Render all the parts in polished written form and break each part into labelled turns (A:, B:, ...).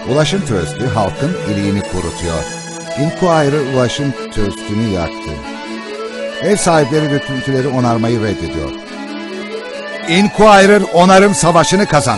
A: Ulaşım Trust'ü halkın iliğini kurutuyor. Inquirer ulaşım trust'ünü yaktı. Ev sahipleri döküntüleri onarmayı reddediyor. Inquirer onarım savaşını kazandı.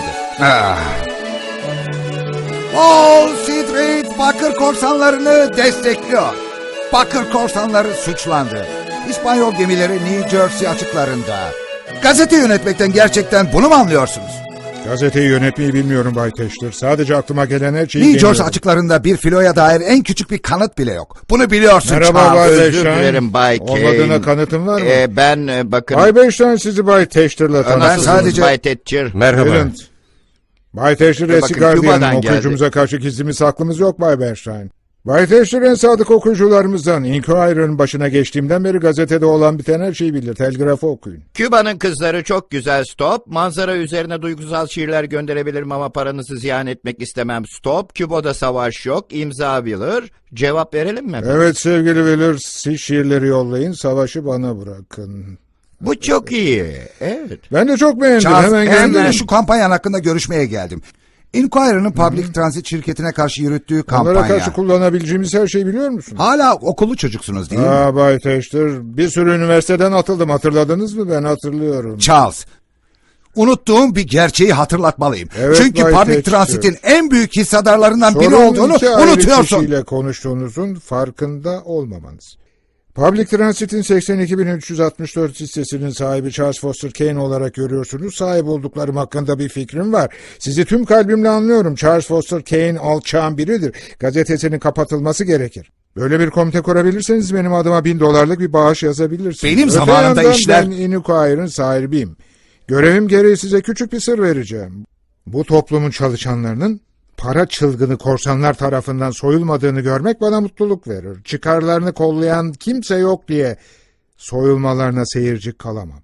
A: Wall Street bakır korsanlarını destekliyor. Bakır korsanları suçlandı. İspanyol gemileri New Jersey açıklarında. Gazete yönetmekten gerçekten bunu mu anlıyorsunuz?
B: Gazeteyi yönetmeyi bilmiyorum Bay Teştir. Sadece aklıma gelen her şeyi
A: New Jersey
B: deniyorum.
A: açıklarında bir filoya dair en küçük bir kanıt bile yok. Bunu biliyorsun
B: Merhaba
A: Charles.
B: Bay
C: Özür
B: Beşten.
C: dilerim Bay Kane.
B: Olmadığına kanıtın var mı?
C: Ben bakın...
B: Bay Beşten sizi Bay Teştir'le tanıştırdım.
A: Ben sadece-
C: Bay Thatcher.
D: Merhaba.
B: Bülent. Bay Teştir eski
C: Bakın,
B: gardiyanın
C: Küba'dan geldi.
B: okuyucumuza karşı gizlimiz saklımız yok Bay Beşten. Bay Teştir en sadık okuyucularımızdan. Inquirer'ın başına geçtiğimden beri gazetede olan biten her şeyi bilir. Telgrafı okuyun.
C: Küba'nın kızları çok güzel stop. Manzara üzerine duygusal şiirler gönderebilirim ama paranızı ziyan etmek istemem stop. Küba'da savaş yok. İmza bilir. Cevap verelim mi?
B: Evet sevgili Velir, siz şiirleri yollayın, savaşı bana bırakın.
C: Bu çok iyi. Evet.
B: Ben de çok beğendim.
A: Charles,
B: Hemen
A: hem de
B: gönderin.
A: şu kampanyan hakkında görüşmeye geldim. Inquirer'ın Public Transit şirketine karşı yürüttüğü
B: Onlara
A: kampanya.
B: karşı kullanabileceğimiz her şeyi biliyor musun?
A: Hala okullu çocuksunuz değil mi?
B: Bay Teştir, bir sürü üniversiteden atıldım. Hatırladınız mı? Ben hatırlıyorum.
A: Charles, unuttuğum bir gerçeği hatırlatmalıyım.
B: Evet,
A: Çünkü
B: Bay
A: Public
B: Teştir.
A: Transit'in en büyük hissedarlarından biri
B: Sorun
A: olduğunu
B: iki ayrı
A: unutuyorsun.
B: kişiyle konuştuğunuzun farkında olmamanız. Public Transit'in 82.364 hissesinin sahibi Charles Foster Kane olarak görüyorsunuz. Sahip olduklarım hakkında bir fikrim var. Sizi tüm kalbimle anlıyorum. Charles Foster Kane alçağın biridir. Gazetesinin kapatılması gerekir. Böyle bir komite kurabilirseniz benim adıma $1000 bir bağış yazabilirsiniz.
A: Benim
B: Öte
A: zamanımda
B: yandan
A: işler-
B: Ben Inquirer'ın sahibiyim. Görevim gereği size küçük bir sır vereceğim. Bu toplumun çalışanlarının para çılgını korsanlar tarafından soyulmadığını görmek bana mutluluk verir. Çıkarlarını kollayan kimse yok diye soyulmalarına seyirci kalamam.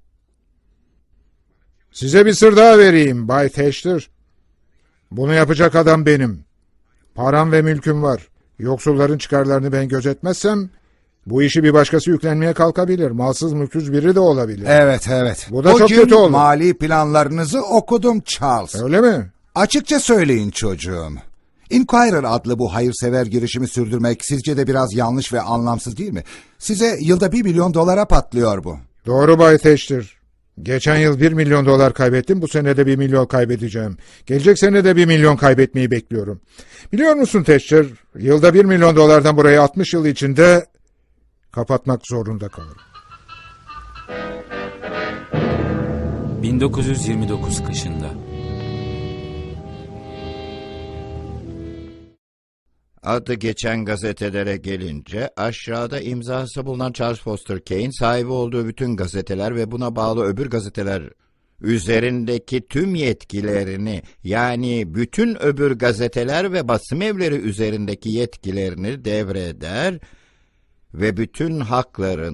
B: Size bir sır daha vereyim Bay Teştir. Bunu yapacak adam benim. Param ve mülküm var. Yoksulların çıkarlarını ben gözetmezsem bu işi bir başkası yüklenmeye kalkabilir. Malsız mülksüz biri de olabilir.
A: Evet.
B: Bu da çok
A: Bugün
B: kötü oldu.
A: mali planlarınızı okudum Charles.
B: Öyle mi?
A: Açıkça söyleyin çocuğum. Inquirer adlı bu hayırsever girişimi sürdürmek sizce de biraz yanlış ve anlamsız değil mi? Size yılda $1 milyon patlıyor bu.
B: Doğru Bay Teştir. Geçen yıl $1 milyon kaybettim. Bu sene de 1 milyon kaybedeceğim. Gelecek sene de 1 milyon kaybetmeyi bekliyorum. Biliyor musun Teştir? Yılda $1 milyon burayı 60 yıl içinde kapatmak zorunda kalırım.
D: 1929 kışında.
C: Adı geçen gazetelere gelince aşağıda imzası bulunan Charles Foster Kane sahibi olduğu bütün gazeteler ve buna bağlı öbür gazeteler üzerindeki tüm yetkilerini yani bütün öbür gazeteler ve basım evleri üzerindeki yetkilerini devreder ve bütün hakların